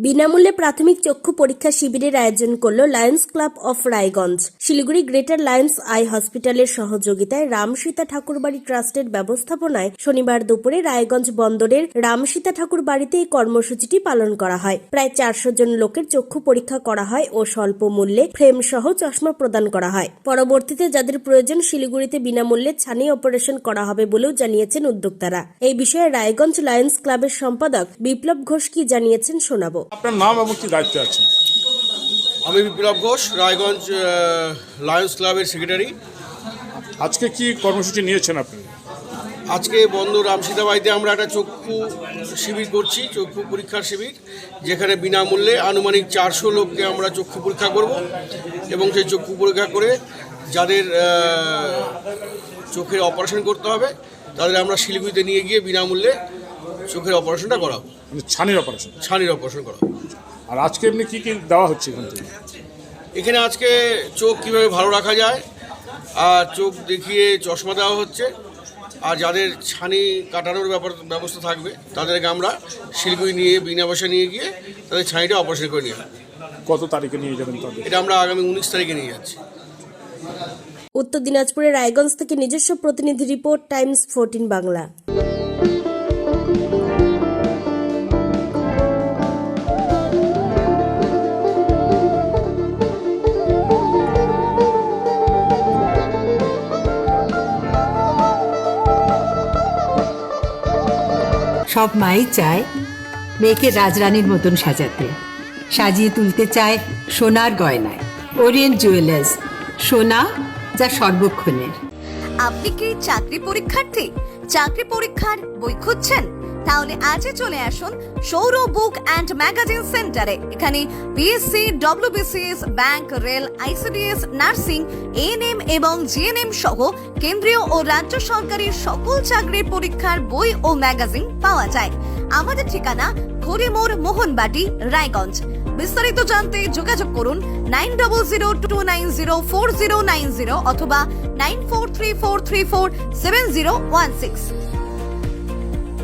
বিনামূল্যে প্রাথমিক চক্ষু পরীক্ষা শিবিরের আয়োজন করল Lions Club of Raiganj. Siliguri greater Lions eye হসপিটালের সহযোগিতায় রামসীতা ঠাকুরবাড়ি ট্রাস্টের ব্যবস্থাপনায় শনিবার দুপুরে রায়গঞ্জ বন্দরের রামসীতা ঠাকুর বাড়িতে এই কর্মসূচিটি পালন করা হয়। প্রায় 400 জন লোকের চক্ষু পরীক্ষা করা হয় ও স্বল্প মূল্যে ফ্রেম সহ চশমা প্রদান করা হয়। পরবর্তীতে যাদের প্রয়োজন শিলিগুড়িতে বিনামূল্যে ছানি অপারেশন করা হবে বলেও জানিয়েছেন উদ্যোক্তারা। এই বিষয়ে রায়গঞ্জ লায়ন্স ক্লাবের সম্পাদক বিপ্লব ঘোষ কি জানিয়েছেন শোনাবো। আপনার নাম এবং কি দায়িত্বে আছেন? আমি বিপ্লব ঘোষ, রায়গঞ্জ লায়ন্স ক্লাবের সেক্রেটারি। আজকে কি কর্মসূচি নিয়েছেন আপনি? আজকে বন্ধ রামসীতা বাড়িতে আমরা একটা চক্ষু শিবির করছি, চক্ষু পরীক্ষার শিবির, যেখানে বিনামূল্যে আনুমানিক 400 লোককে আমরা চক্ষু পরীক্ষা করব এবং সেই চক্ষু পরীক্ষা করে যাদের চোখের অপারেশন করতে হবে তাদের আমরা শিলিগুড়িতে নিয়ে গিয়ে বিনামূল্যে চোখের অপারেশনটা করাবো। মানে ছানির অপারেশন? ছানির অপারেশন করাবো। আর আজকে এমনি কী কী দেওয়া হচ্ছে এখান থেকে? এখানে আজকে চোখ কীভাবে ভালো রাখা যায় আর চোখ দেখিয়ে চশমা দেওয়া হচ্ছে। আর যাদের ছানি কাটানোর ব্যবস্থা থাকবে তাদেরকে আমরা শিলিগুড়ি নিয়ে বিনা পয়সা নিয়ে গিয়ে তাদের ছানিটা অপারেশন করে নিয়ে আসবো। কত তারিখে নিয়ে যাবেন তাদের? এটা আমরা আগামী 19 তারিখে নিয়ে যাচ্ছি। উত্তর দিনাজপুরের রায়গঞ্জ থেকে নিজস্ব প্রতিনিধি রিপোর্ট, টাইমস 14 বাংলা। সব মাই চায় মেয়েকে রাজরানীর মতন সাজাতে, সাজিয়ে তুলতে চায় সোনার গয়নায়। ওরিয়েন্ট জুয়েলার্স, সোনা যা সর্বক্ষণের। আপনি কি চাকরি পরীক্ষার্থী? চাকরি পরীক্ষার বই খুঁজছেন? তাহলে আজই চলে আসুন সৌরভ বুক অ্যান্ড ম্যাগাজিন সেন্টারে। এখানে BSc, WBCS, bank, rail, ICDS, nursing, ANM এবং জিএনএম সহ কেন্দ্রীয় ও রাজ্য সরকারের সকল চাকরির পরীক্ষার বই ও ম্যাগাজিন পাওয়া যায়। আমাদের ঠিকানা ঘড়িমোড়, মোহনবাটি, রায়গঞ্জ। বিস্তারিত জানতে যোগাযোগ করুন 9002904090 অথবা 9434347016।